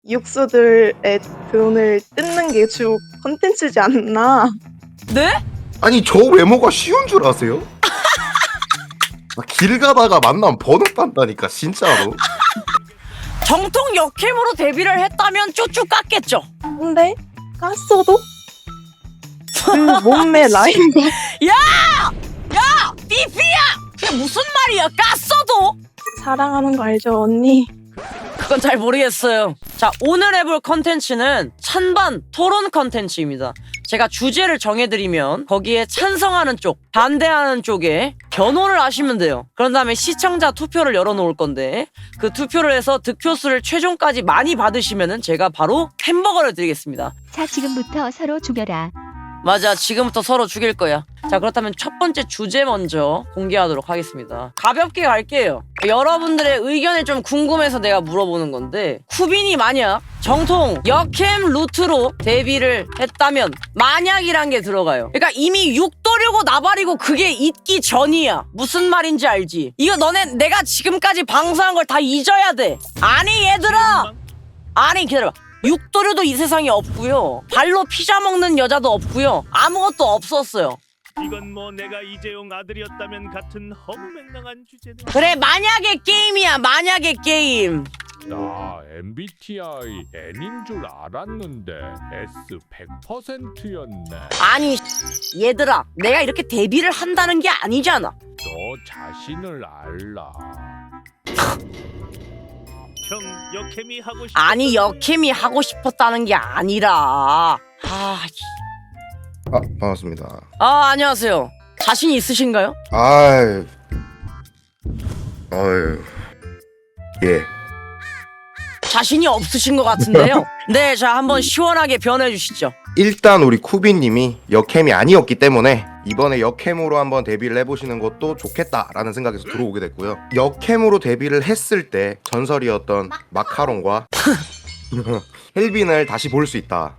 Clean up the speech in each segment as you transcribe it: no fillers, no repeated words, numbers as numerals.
육수들의 돈을 뜯는 게 주 컨텐츠지 않나. 네? 아니 저 외모가 쉬운 줄 아세요? 길 가다가 만나면 번호 딴다니까 진짜로. 정통 역캠으로 데뷔를 했다면 쭈쭈 깠겠죠. 근데 깠어도 그 몸매 라인과 삐삐야! 그게 무슨 말이야? 깠어도? 사랑하는 거 알죠 언니? 그건 잘 모르겠어요. 자, 오늘 해볼 컨텐츠는 찬반 토론 컨텐츠입니다. 제가 주제를 정해드리면 거기에 찬성하는 쪽, 반대하는 쪽에 변호를 하시면 돼요. 그런 다음에 시청자 투표를 열어놓을 건데 그 투표를 해서 득표수를 최종까지 많이 받으시면은 제가 바로 햄버거를 드리겠습니다. 자, 지금부터 서로 죽여라. 맞아, 지금부터 서로 죽일 거야. 자, 그렇다면 첫 번째 주제 먼저 공개하도록 하겠습니다. 가볍게 갈게요. 여러분들의 의견이 좀 궁금해서 내가 물어보는 건데, 쿠빈이 만약 정통 역캠 루트로 데뷔를 했다면 만약이란 게 들어가요. 그러니까 이미 육도류고 나발이고 그게 있기 전이야. 무슨 말인지 알지? 이거 너네 내가 지금까지 방송한 걸 다 잊어야 돼. 아니 얘들아, 아니 기다려봐. 육도류도 이 세상에 없고요. 발로 피자 먹는 여자도 없고요. 아무것도 없었어요. 이건 뭐 내가 이재용 아들이었다면 같은 허무맹랑한 주제네. 그래, 만약의 게임이야. 만약의 게임. 나 MBTI N인 줄 알았는데 S 100%였네. 아니 얘들아, 내가 이렇게 데뷔를 한다는 게 아니잖아. 너 자신을 알라. 형 역캠이 하고 싶어. 아니 역캠이 하고 싶었다는 게 아니라 반갑습니다. 안녕하세요. 자신 있으신가요? 아유 예. 자신이 없으신 것 같은데요. 네, 자 한번 시원하게 변해 주시죠. 일단 우리 쿠비님이 역캠이 아니었기 때문에 이번에 역캠으로 한번 데뷔를 해보시는 것도 좋겠다라는 생각에서 들어오게 됐고요. 역캠으로 데뷔를 했을 때 전설이었던 마카롱과 헬빈을 다시 볼 수 있다.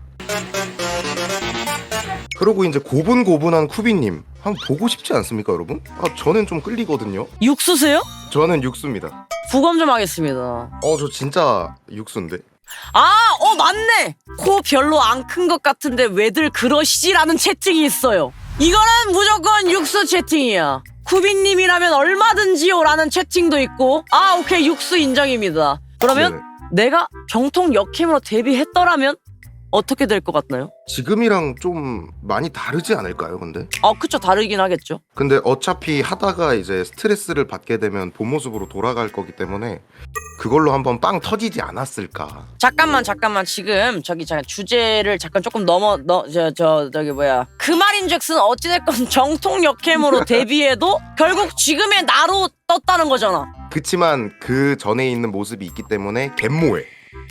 그리고 이제 고분고분한 쿠비님 한번 보고 싶지 않습니까, 여러분? 저는 좀 끌리거든요. 육수세요? 저는 육수입니다. 부검 좀 하겠습니다. 저 진짜 육수인데. 맞네. 코 별로 안 큰 것 같은데 왜들 그러시지라는 채팅이 있어요. 이거는 무조건 육수 채팅이야. 쿠비님이라면 얼마든지요라는 채팅도 있고. 오케이, 육수 인정입니다. 그러면 내가 정통 역캠으로 데뷔했더라면 어떻게 될 것 같나요? 지금이랑 좀 많이 다르지 않을까요, 근데? 그쵸, 다르긴 하겠죠. 근데 어차피 하다가 이제 스트레스를 받게 되면 본 모습으로 돌아갈 거기 때문에 그걸로 한번 빵 터지지 않았을까. 잠깐만 지금 잠깐 주제를 잠깐 조금 그 말인즉슨 어찌됐건 정통 역캠으로 데뷔해도 결국 지금의 나로 떴다는 거잖아. 그치만 그 전에 있는 모습이 있기 때문에 갯모에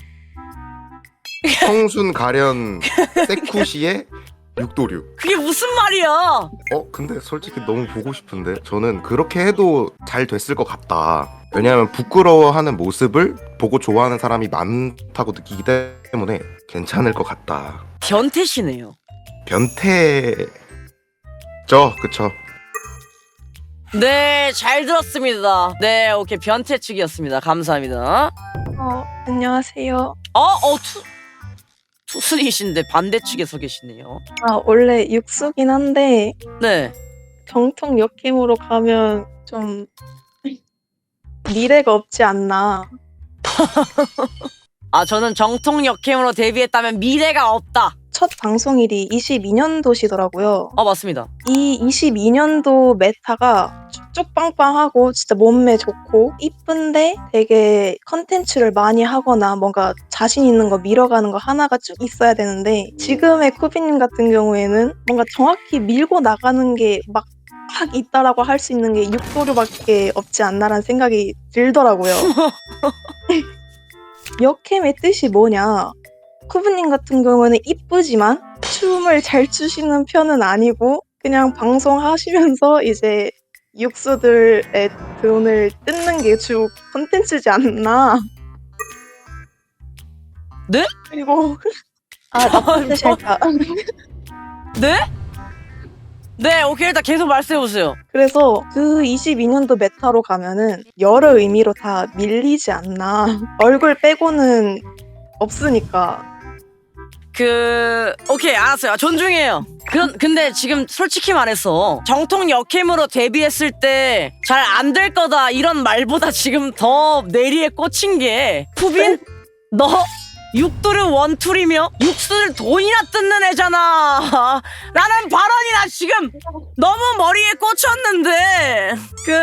청순 가련 세쿠시의 육도류. 그게 무슨 말이야? 근데 솔직히 너무 보고 싶은데 저는 그렇게 해도 잘 됐을 것 같다. 왜냐하면 부끄러워하는 모습을 보고 좋아하는 사람이 많다고 느끼기 때문에 괜찮을 것 같다. 변태시네요. 변태죠, 그쵸? 네, 잘 들었습니다. 네, 오케이, 변태 측이었습니다. 감사합니다. 안녕하세요. 투슬이신데 반대 측에 서 계시네요. 원래 육수긴 한데 네. 정통 역캠으로 가면 좀 미래가 없지 않나. 저는 정통 역캠으로 데뷔했다면 미래가 없다. 첫 방송일이 22년도시더라고요. 맞습니다. 이 22년도 메타가 쭉쭉 빵빵하고 진짜 몸매 좋고 이쁜데 되게 컨텐츠를 많이 하거나 뭔가 자신 있는 거 밀어가는 거 하나가 쭉 있어야 되는데 지금의 쿠비님 같은 경우에는 뭔가 정확히 밀고 나가는 게 막 있다라고 할 수 있는 게 육도류밖에 없지 않나라는 생각이 들더라고요. 역캠의 뜻이 뭐냐? 쿠브님 같은 경우는 이쁘지만 춤을 잘 추시는 편은 아니고 그냥 방송하시면서 이제 육수들의 돈을 뜯는 게 주 컨텐츠지 않나. 네? 그리고 나쁜 뜻이 할까. 네? 네, 오케이, 일단 계속 말씀해보세요. 그래서 그 22년도 메타로 가면은 여러 의미로 다 밀리지 않나. 얼굴 빼고는 없으니까. 오케이, 알았어요. 존중해요. 근데 지금 솔직히 말해서 정통 역캠으로 데뷔했을 때 잘 안 될 거다 이런 말보다 지금 더 내리에 꽂힌 게 푸빈? 너 육도를 원툴이며 육수를 돈이나 뜯는 애잖아 라는 발언이 나 지금 너무 머리에 꽂혔는데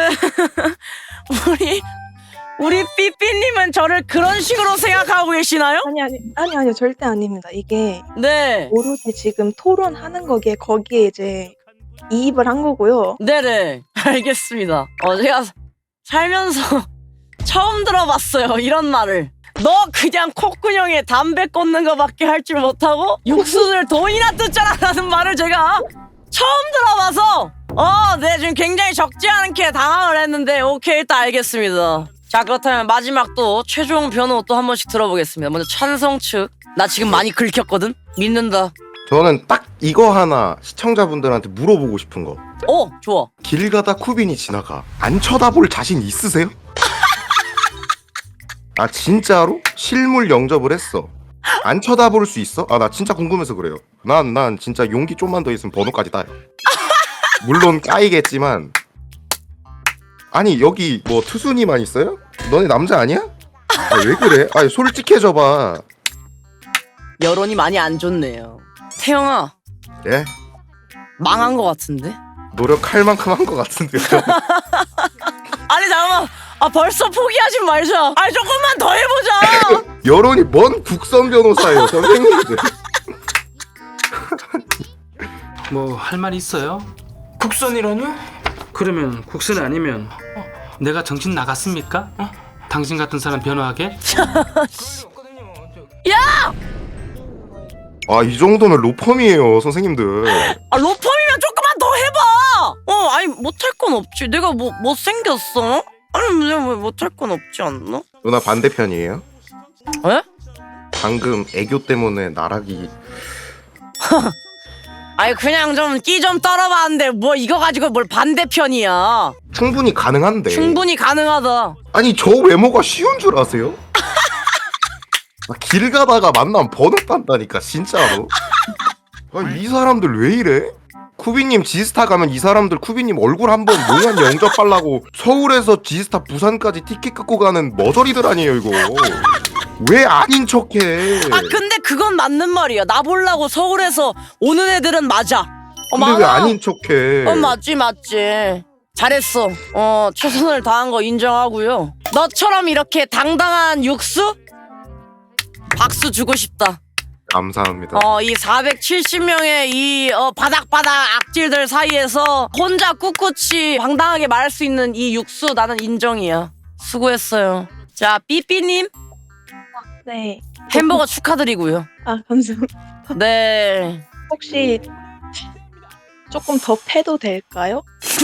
우리 삐삐님은 저를 그런 식으로 생각하고 계시나요? 아니요, 절대 아닙니다. 이게 네. 오로지 지금 토론하는 거기에 이제 이입을 한 거고요. 네네. 알겠습니다. 제가 살면서 처음 들어봤어요. 이런 말을. 너 그냥 콧구멍에 담배 꽂는 거밖에 할 줄 못하고 육수를 돈이나 뜯잖아 라는 말을 제가 처음 들어봐서 네, 지금 굉장히 적지 않게 당황을 했는데 오케이, 일단 알겠습니다. 자, 그렇다면 마지막 또 최종 변호 또 한 번씩 들어보겠습니다. 먼저 찬성 측. 나 지금 많이 긁혔거든? 믿는다. 저는 딱 이거 하나 시청자분들한테 물어보고 싶은 거. 좋아. 길 가다 쿠빈이 지나가. 안 쳐다볼 자신 있으세요? 아 진짜로? 실물 영접을 했어. 안 쳐다볼 수 있어? 아 나 진짜 궁금해서 그래요. 난 진짜 용기 좀만 더 있으면 번호까지 따요. 물론 까이겠지만. 아니 여기 뭐 투순이만 있어요? 너네 남자 아니야? 아, 왜 그래? 아니 솔직해져봐. 여론이 많이 안 좋네요. 태영아, 예? 망한 거 같은데? 노력할 만큼 한 것 같은데요. 아니 잠깐만. 벌써 포기하지 말자. 아니 조금만 더 해보자. 여론이 뭔 국선 변호사예요 선생님들. 뭐 할 말 있어요? 국선이라뇨? 그러면 국선 아니면 내가 정신 나갔습니까? 당신 같은 사람 변호하게? 야! 아 이 정도면 로펌이에요 선생님들. 로펌이면 조금만 더 해봐. 아니 못할 건 없지. 내가 뭐 못생겼어? 아니 내가 왜 못할 건 없지 않나? 누나 반대편이에요? 에? 방금 애교 때문에 나락이. 아니 그냥 좀 끼 좀 떨어봤는데 뭐 이거 가지고 뭘 반대편이야. 충분히 가능한데. 충분히 가능하다. 아니 저 외모가 쉬운 줄 아세요? 아, 길 가다가 만나면 번호 딴다니까 진짜로. 아니, 이 사람들 왜 이래? 쿠비님 지스타 가면 이 사람들 쿠비님 얼굴 한번 몽환 영접하려고 서울에서 지스타 부산까지 티켓 끊고 가는 머저리들 아니에요 이거. 왜 아닌 척해? 근데 그건 맞는 말이야. 나 보려고 서울에서 오는 애들은 맞아. 근데 왜 아닌 척해? 맞지. 잘했어. 최선을 다한 거 인정하고요. 너처럼 이렇게 당당한 육수? 박수 주고 싶다. 감사합니다. 이 470명의 이 바닥바닥 악질들 사이에서 혼자 꿋꿋이 당당하게 말할 수 있는 이 육수 나는 인정이야. 수고했어요. 자, 삐삐님 네. 햄버거 축하드리고요. 감사합니다. 네. 혹시 조금 더 패도 될까요?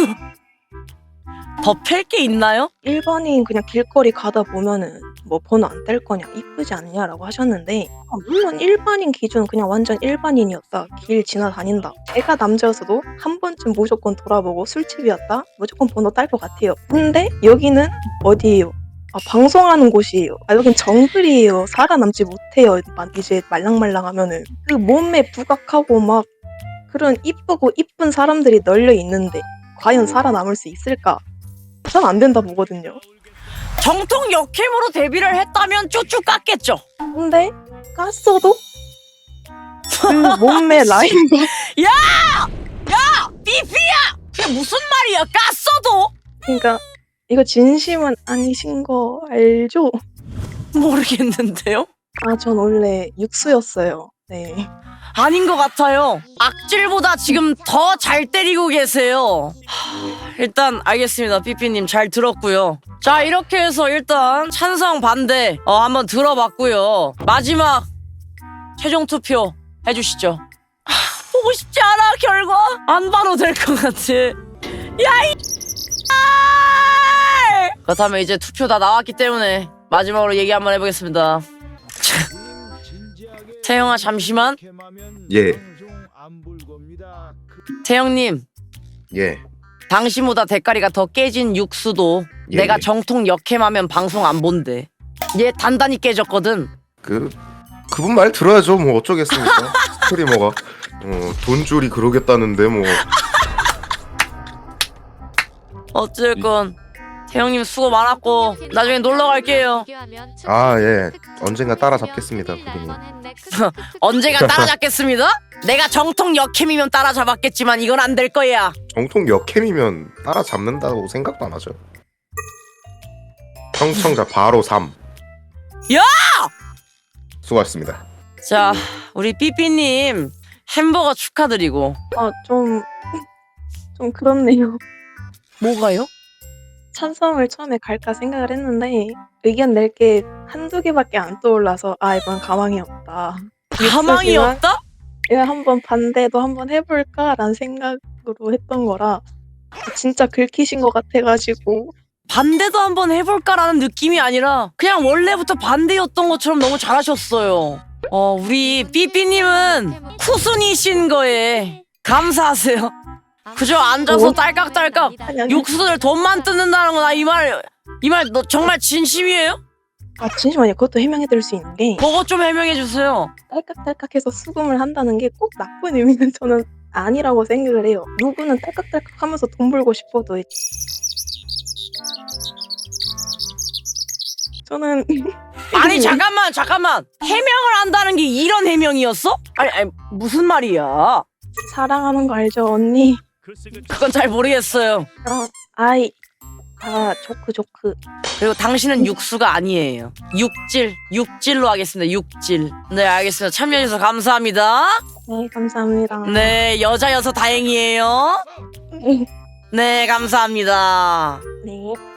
더 팰 게 있나요? 1번인 그냥 길거리 가다 보면은 뭐 번호 안 뗄 거냐, 이쁘지 않냐라고 하셨는데 물론 일반인 기준 그냥 완전 일반인이었다. 길 지나다닌다. 애가 남자여서도 한 번쯤 무조건 돌아보고 술집이었다. 무조건 번호 딸 것 같아요. 근데 여기는 어디예요? 방송하는 곳이에요. 여긴 정글이에요. 살아남지 못해요. 이제 말랑말랑하면은 그 몸에 부각하고 막 그런 이쁘고 이쁜 사람들이 널려 있는데 과연 살아남을 수 있을까? 전 안 된다 보거든요. 정통 역캠으로 데뷔를 했다면 쭈쭈 깠겠죠. 근데 깠어도 그 몸매 라인과 삐삐야! 그게 무슨 말이야? 깠어도? 그러니까 이거 진심은 아니신 거 알죠? 모르겠는데요? 전 원래 육수였어요. 네. 아닌 것 같아요. 악질보다 지금 더 잘 때리고 계세요. 일단 알겠습니다. 삐삐님 잘 들었고요. 자, 이렇게 해서 일단 찬성 반대 한번 들어봤고요. 마지막 최종 투표 해주시죠. 보고 싶지 않아 결과. 안 봐도 될 것 같아. 그렇다면 이제 투표 다 나왔기 때문에 마지막으로 얘기 한번 해보겠습니다. 태영아 잠시만. 예. 태영님, 예. 당신보다 대가리가 더 깨진 육수도 내가 예. 정통 역캠하면 방송 안 본대. 얘 단단히 깨졌거든. 그분 말 들어야죠. 뭐 어쩌겠습니까? 스트리머가 돈줄이 그러겠다는데 뭐. 어쨌건 태형님 수고 많았고 나중에 놀러 갈게요. 아, 예. 언젠가 따라잡겠습니다, 구빈이. 언제가 따라잡겠습니다? 내가 정통 역캠이면 따라잡았겠지만 이건 안 될 거야. 정통 역캠이면 따라잡는다고 생각도 안 하죠. 청청자 바로 3. 야! 수고하셨습니다. 자, 우리 삐삐님 햄버거 축하드리고. 좀 그렇네요. 뭐가요? 찬성을 처음에 갈까 생각을 했는데 의견 낼 게 한두 개밖에 안 떠올라서 이건 가망이 없다. 가망이 없다? 내가 한번 반대도 한번 해볼까라는 생각으로 했던 거라 진짜 긁히신 것 같아가지고 반대도 한번 해볼까라는 느낌이 아니라 그냥 원래부터 반대였던 것처럼 너무 잘하셨어요. 우리 삐삐님은 쿠순이신 거에 감사하세요. 그저 앉아서 딸깍딸깍 아니. 육수를 돈만 뜯는다는 거나 이 말 너 정말 진심이에요? 잠시만요. 그것도 해명해드릴 수 있는 게 그거 좀 해명해 주세요. 딸깍딸깍해서 수금을 한다는 게 꼭 나쁜 의미는 저는 아니라고 생각을 해요. 누구는 딸깍딸깍하면서 돈 벌고 싶어도 저는 아니 잠깐만 해명을 한다는 게 이런 해명이었어? 아니 무슨 말이야? 사랑하는 거 알죠 언니? 그건 잘 모르겠어요. 조크 그리고 당신은 육수가 아니에요. 육질로 하겠습니다. 육질. 네 알겠습니다. 참여해주셔서 감사합니다. 네 감사합니다. 네 여자여서 다행이에요. 네 감사합니다. 네.